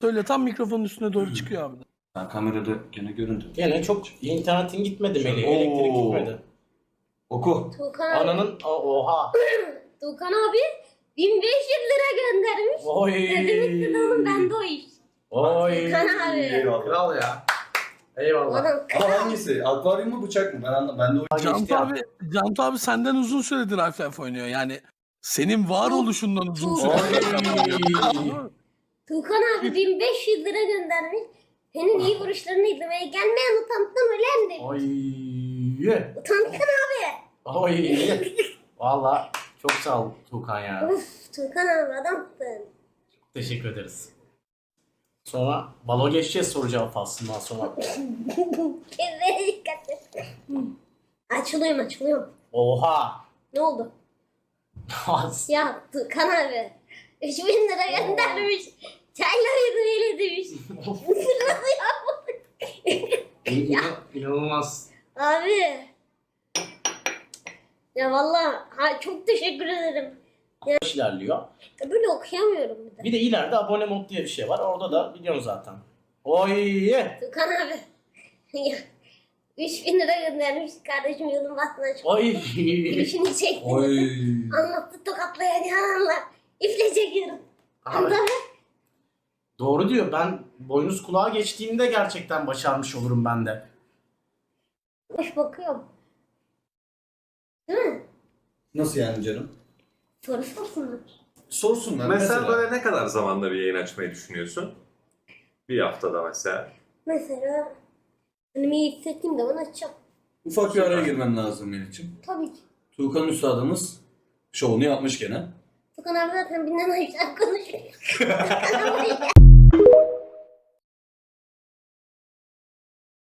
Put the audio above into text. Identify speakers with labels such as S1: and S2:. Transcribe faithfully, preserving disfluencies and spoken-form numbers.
S1: Söyle, tam mikrofonun üstüne doğru çıkıyor abi.
S2: Ben kamerada gene göründüm.
S3: Gene çok internetin gitmedi Melih. Elektrik
S2: Oo.
S3: gitmedi.
S2: Oku.
S4: Tuğkan abi.
S3: Ananın o- oha.
S4: Tuğkan abi bin beş yüz lira göndermiş.
S3: Oy.
S4: Ne demekti de oğlum, bende o iş.
S3: Oy.
S4: Tuğkan abi.
S2: Eyvallah.
S3: Kral ya. Eyvallah.
S4: Adam
S2: Ama hangisi? Akvaryum mu bıçak mı? Ben anlamadım. Ben de o
S1: Cantu
S3: geçti ya.
S1: abi, Cantu abi senden uzun süredir Half-Life oynuyor. Yani senin varoluşundan uzun
S4: Tuğkan.
S1: süredir.
S4: Tuğkan abi bin beş yüz lira göndermiş. Senin iyi vuruşlarını izlemeye gelmeyen utançtan ölen demiş.
S3: Oy.
S4: Utançtan abi.
S3: Oy. Valla çok sağ ol Tuğkan ya.
S4: Uf Tuğkan abi adamsın.
S3: Teşekkür ederiz. Sonra balo geçeceğiz soru cevap faslından sonra.
S4: Kendine dikkat et. Açılıyorum açılıyorum.
S3: Oha.
S4: Ne oldu? Ya Tuğkan abi. üç bin lira göndermiş. Çayla öyle demiş. Nasıl yapmadık?
S3: İnan- İnanılmaz.
S4: Abi. Ya vallahi ha, çok teşekkür ederim.
S3: Yavaş ilerliyor.
S4: Ya böyle okuyamıyorum bir de.
S3: Bir de ileride abone mod diye bir şey var. Orada da biliyorsun zaten. Oy.
S4: Tuğkan abi. Ya, üç bin lira göndermiş kardeşim, yolun bahtına çık.
S3: Oy.
S4: Gülüşünü çekti.
S2: Oy.
S4: Anlattı tokatlayacağını anlar. İple çekiyorum.
S3: Abi,
S4: Anladın mı?
S3: doğru diyor. Ben boynuz kulağa geçtiğimde gerçekten başarmış olurum ben de.
S4: Boş bakıyorum. Değil mi?
S2: Nasıl yani canım?
S4: Soru sorsunlar.
S2: Sorsunlar.
S5: Mesela böyle ne kadar zamanda bir yayın açmayı düşünüyorsun? Bir haftada mesela.
S4: Mesela hani iyi hissettiğim zaman açacağım.
S2: Ufak bir araya girmem lazım Melih'ciğim.
S4: Tabii ki.
S2: Tuğkan Üstadımız şovunu yapmış gene.
S4: Tukan abi zaten binden aşağı konuşuyor.